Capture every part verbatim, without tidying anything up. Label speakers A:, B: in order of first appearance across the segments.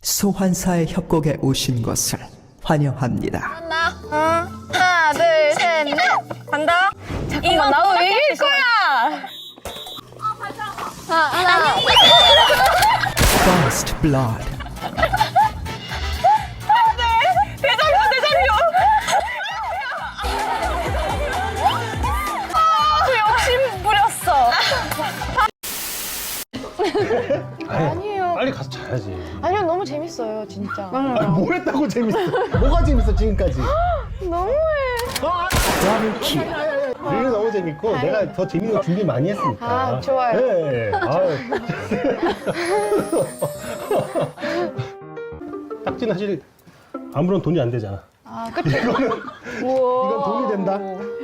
A: 소환사의 협곡에 오신 것을 환영합니다.
B: 하나, 어? 하나, 둘, 셋, 넷. 간다. 잠깐만, 나도 이길 거야. 아, 하나.
A: First Blood.
B: 대장료, 대장료. 아, 욕심 부렸어.
C: 아니에요. 빨리 가서 자야지.
D: 아니요, 너무 재밌어요, 진짜.
C: 아니, 뭘 했다고 재밌어? 뭐가 재밌어 지금까지?
D: 너무해.
A: 더블킬.
C: 우리는 너무 재밌고 내가 더 재밌는 거 준비 많이 했으니까.
D: 아, 좋아요.
C: 네. 아유. 딱지는 사실 아무런 돈이 안 되잖아.
D: 아, 그쵸.
C: 이거는
D: 우와.
C: 이건 돈이 된다.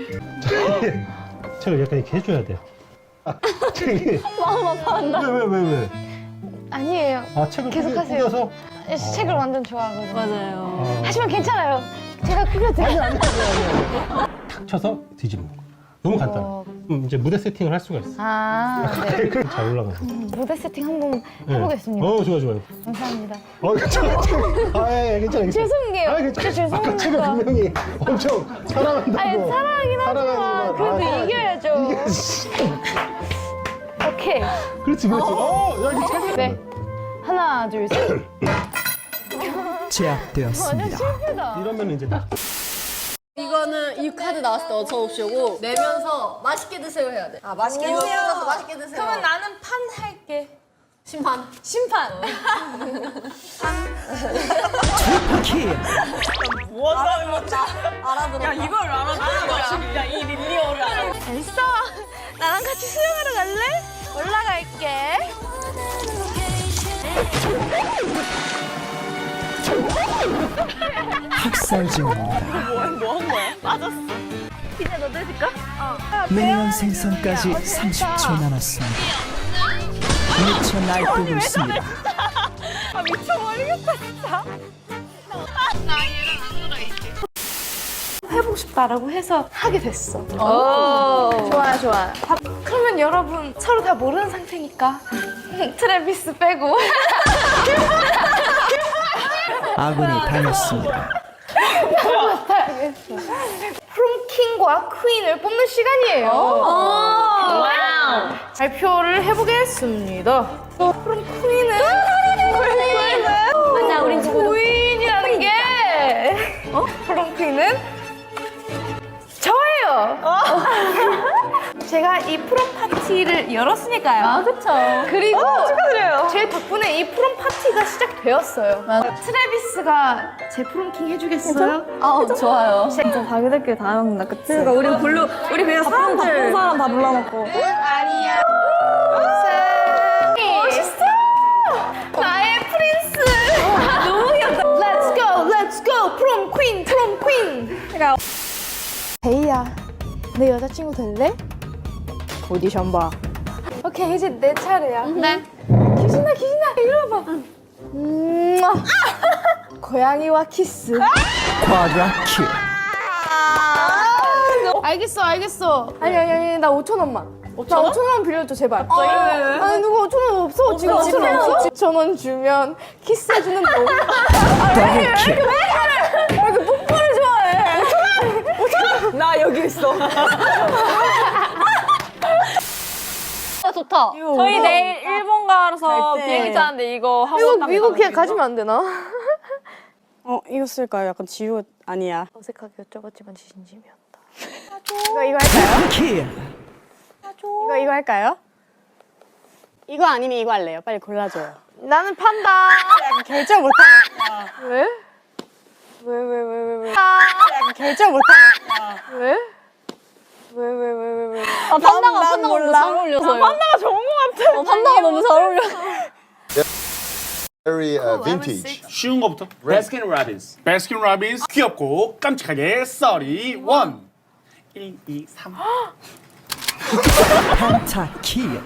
C: 책을 약간 이렇게 해줘야 돼. 아, 책이.
D: 마음 아파한다.
C: 왜 왜 왜 왜?
D: 아니에요.
C: 아 책을
D: 계속
C: 꾸겨-
D: 하세요.
C: 꾸겨서?
D: 책을 완전 좋아하거든요.
B: 맞아요.
C: 아.
D: 하지만 괜찮아요. 제가 꾸며드려요.
C: 아니 아니 아니 아니. 탁 쳐서 뒤집는 거. 너무 간단해.
D: 어.
C: 음, 이제 무대 세팅을 할 수가 있어.
D: 아, 네.
C: 잘 올라가서.
D: 무대 세팅 한번
C: 네.
D: 해보겠습니다.
C: 어 좋아 좋아요.
D: 감사합니다.
C: 어 괜찮아. 아 예, 예, 괜찮아 괜찮아.
D: 죄송해요.
C: 아 괜찮아.
D: 진짜
C: 아까 제가
D: 죄송합니다.
C: 분명히 엄청 사랑한다고.
D: 아니, 사랑하긴 하지만
C: 사랑하지만,
D: 그래도
C: 아,
D: 이겨야죠.
C: 이게 씨.
D: 오케이.
C: 그렇지 그렇지. 어, 야 이거 책.
D: 네. 하나, 둘, 셋.
A: 제압되었습니다.
D: 실패다.
C: 이러면 이제 나.
E: 이거는 이 카드 나왔을 때 어처 없이 오고 내면서 맛있게 드세요 해야 돼. 아 맛있게 드세요. 맛있게 드세요.
B: 그러면 나는 판 할게.
E: 심판.
B: 심판.
A: 킬.
E: 알아들어.
B: 야, 이걸 알아보는 거야. 야, 이 릴리오를 알아.
D: 됐어. 나랑 같이 수영하러 갈래? 올라갈게.
A: 학살 중입니다.
B: 뭐한 거야? 빠졌어.
D: 피자 너도 해줄까?
A: 미니언 생성까지 삼십 초 남았습니다. 미쳐 날뛰고 있습니다.
B: 아, 미쳐버리겠다, 진짜.
D: 해보고 싶다라고 해서 하게 됐어. 좋아요, 좋아요. 밥- 그러면 여러분 서로 다 모르는 상태니까 트래비스 빼고
A: 아군이 당했습니다.
D: 프롬킹과 퀸을 뽑는 시간이에요.
B: 와우.
D: 발표를 해보겠습니다. 프롬 퀸은
B: 맞아, 우린 누구
D: 퀸이라는 게 어? 프롬 퀸은 저예요. 제가 이 프롬 파티를 열었으니까요.
B: 아, 그쵸.
D: 그리고
B: 축하드려요.
D: 제 덕분에 이 프롬 파티가 시작되었어요. 트래비스가 제 프롬킹 해주겠어요?
B: 아, 좋아요.
F: 진짜 자기들끼리 다 해먹는다, 그치? 그러니까 우리 불러, 우리 그냥 사람 바쁜 사람 다 불러놓고.
D: 아니야. 멋있어. 나의 프린스. 너무 귀엽다. Let's go, let's go. 프롬 퀸, 프롬 퀸. 그러니까 데이야, 내 여자친구 될래? 오디션 봐. 오케이, 이제 내 차례야. 네. 기진아, 기진아, 이리 와봐. 음, 고양이와 키스.
A: 과학킬.
D: 알겠어, 알겠어. 아니, 아니, 아니, 나 오천 원만. 나 오천 원 빌려줘, 제발. 아니, 누가 오천 원 없어? 지금 집에 없어? 오천 원 주면 키스해주는 놈.
A: 더블킬.
D: 왜 이렇게 뽀뽀를 좋아해?
B: 나 여기 있어.
E: 아 좋다.
B: 저희 내일 일본 가서
F: 갈 때.
B: 비행기 타는데 이거 하고
D: 미국,
B: 딱
D: 미국 그냥
B: 가는
D: 가지면 안 되나?
F: 어, 이거 쓸까요? 약간 지우 아니야.
D: 어색하게 여쭤봤지만 진심이었다. 이거, 이거 할까요?
A: 킬.
F: 이거, 이거 할까요? 이거 아니면 이거 할래요. 빨리 골라줘요.
D: 나는 판다.
F: 결정 못하.
D: 왜? 왜, 왜, 왜, 왜, 왜?
F: 결정 못하.
D: 왜? 왜, 왜, 왜, 왜, 왜?
E: 아 판다가
F: 난
E: 판다가 너무
F: 몰라.
E: 잘 어울려서요.
B: 판다가 좋은 것 같아.
E: 어, 판다가 너무 잘 어울려.
G: Very uh, vintage.
H: 쉬운 거부터. 베스킨 라빈스. 베스킨 라빈스 귀엽고 깜찍하게 썰이 원. 일, 이, 삼.
A: 펜타킬.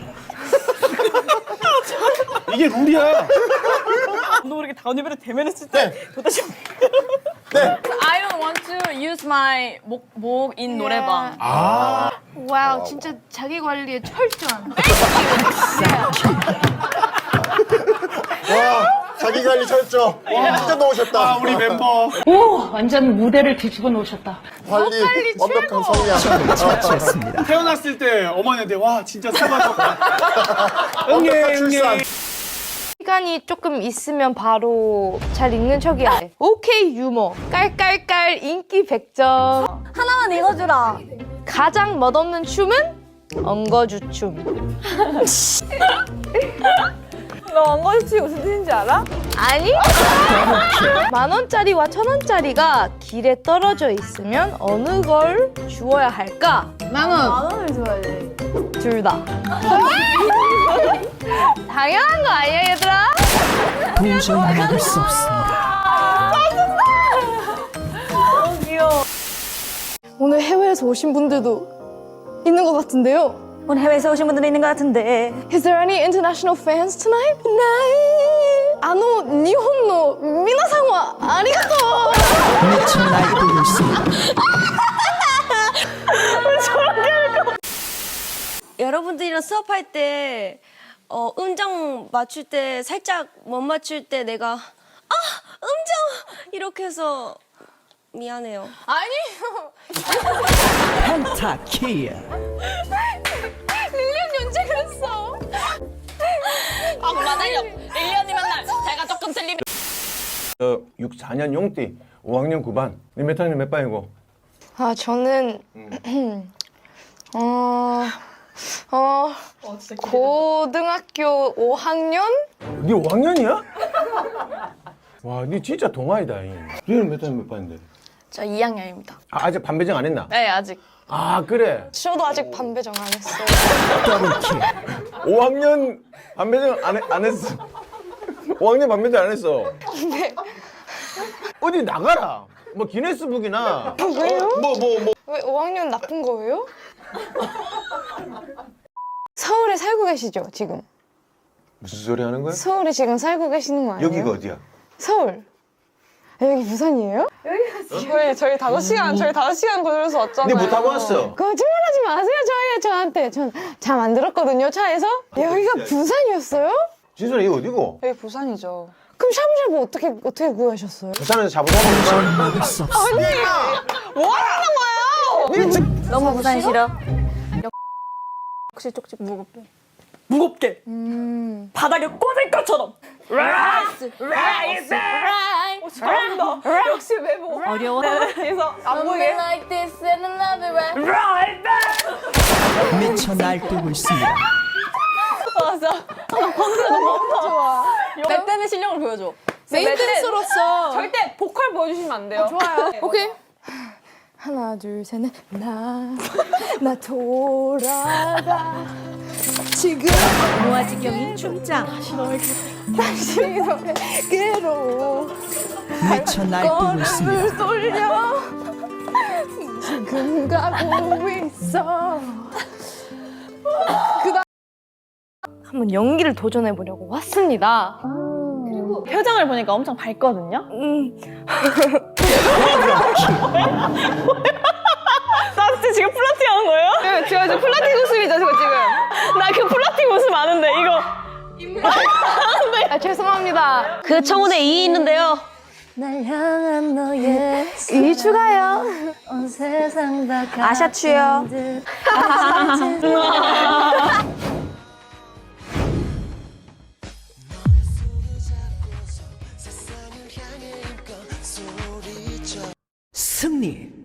H: 이게 룰이야.
B: 너 이렇게 다운이벨을 대면했을 때 도대체 I don't want to use my 목, 목인 노래방.
H: 아.
D: 와우, 진짜 자기 관리에 철저한.
G: 와, 자기 관리 철저. 진짜 놓으셨다.
H: 아, 우리 멤버.
I: 완전 무대를 뒤집어 놓으셨다.
G: 관리 완벽한 성향.
A: 처치했습니다.
H: 태어났을 때 어머니한테 와 진짜 사과졌다. 응애
G: 완벽한 출산.
H: 응애.
D: 시간이 조금 있으면 바로 잘 읽는 척이야. 오케이 유머. 깔깔깔 인기 백 점.
B: 하나만 읽어주라.
D: 가장 멋없는 춤은 엉거주춤.
B: 너 엉거주춤이 무슨 뜻인지 알아?
D: 아니? 만 원짜리와 천 원짜리가 길에 떨어져 있으면 어느 걸 주어야 할까?
E: 만 원.
B: 만 원을 줘야지.
D: 둘 다. 당연한 거 아니야 얘들아?
A: 도저히 막을 수 없습니다.
B: 너무 귀여워.
D: 오늘 해외에서 오신 분들도 있는 것 같은데요.
B: 오늘 해외에서 오신 분들이 있는 것 같은데.
D: Is there any international fans tonight? 네. 아노 니혼노 미나상와 아리가또.
A: 미쳐 날뛰고 있습니다.
E: 여러분들이랑 수업할 때 어, 음정 맞출 때 살짝 못 맞출 때 내가 아 음정 이렇게 해서 미안해요.
D: 아니요.
A: 펜타킬.
D: 릴리언 언제 그랬어?
E: 아 맞아요. 일년이 맨날 제가 조금 틀리면
G: 저 육십사 년 용띠 오 학년 구 반. 몇 학년 몇 반이고?
D: 아 저는 어. 어, 고등학교 오 학년?
G: 네 오 학년이야? 와, 네 진짜 동아이다. 너는 몇 학년 몇 반인데?
D: 저 이 학년입니다.
G: 아, 아직 반배정 안 했나?
D: 네, 아직.
G: 아, 그래.
D: 저도 아직 반배정 안 했어요.
A: 더블킬.
G: 오 학년 반배정 안, 해, 안 했어. 오 학년 반배정 안 했어.
D: 네.
G: 어디 나가라. 뭐 기네스북이나.
D: 왜요?
G: 어, 뭐, 뭐, 뭐.
D: 왜 오 학년 나쁜 거예요? 서울에 살고 계시죠, 지금?
G: 무슨 소리 하는 거야?
D: 서울에 지금 살고 계시는 거 아니에요?
G: 여기가 어디야?
D: 서울. 아, 여기 부산이에요? 여기가 저희 저희 다섯 시간 저희 다섯 시간 걸려서 왔잖아요.
G: 네 못 타고 왔어.
D: 거짓말하지 마세요, 저희 저한테. 전 잠 안 들었거든요, 차에서. 여기가 부산이었어요?
G: 진솔아, 이거 어디고?
D: 여기 부산이죠. 그럼 샤브샤브 어떻게 어떻게 구하셨어요?
G: 부산에서 잡으라고.
A: 도저히 막을 수 없습니다.
D: 뭐 하는 거예요?
B: 너무 부산 싫어. 혹시 쪽지 무겁게. 무겁게.
D: 음.
B: 바닥에 꽂을 것처럼. 라이스, 라이스, 라이스. 잘한다. 역시 외모. 어려워. 그래서 안 보이게.
D: Like this and another way.
B: 라이스.
A: 미쳐 날뛰고 있습니다.
B: 맞아. 방금 너무 좋아. 내 때는 실력을 보여줘.
D: 메인 댄서로서
B: 절대 보컬 보여주시면 안 돼요.
D: 좋아요. 오케이. 하나 둘 셋 넷. 나 나 돌아가 지금
B: 모아지경인 춤장.
D: 다시 너에게로
A: 미쳐 날뛰고 있습니다.
D: 가슴을 돌려 지금 가고 있어. 그다음 한번 연기를 도전해 보려고 왔습니다.
B: 표정을 보니까 엄청 밝거든요.
D: 음.
B: 나 진짜 지금 플러팅 하는 거예요?
D: 네, 제가 지금 플라팅 웃음이죠, 저 지금.
B: 나 그 플러팅 웃음 아는데 이거.
D: 아, 죄송합니다.
E: 그 청혼에 이 있는데요.
B: 날 향한 너의
D: 이 추가요.
B: 온 세상 다
D: 아샤추요.
A: 승리.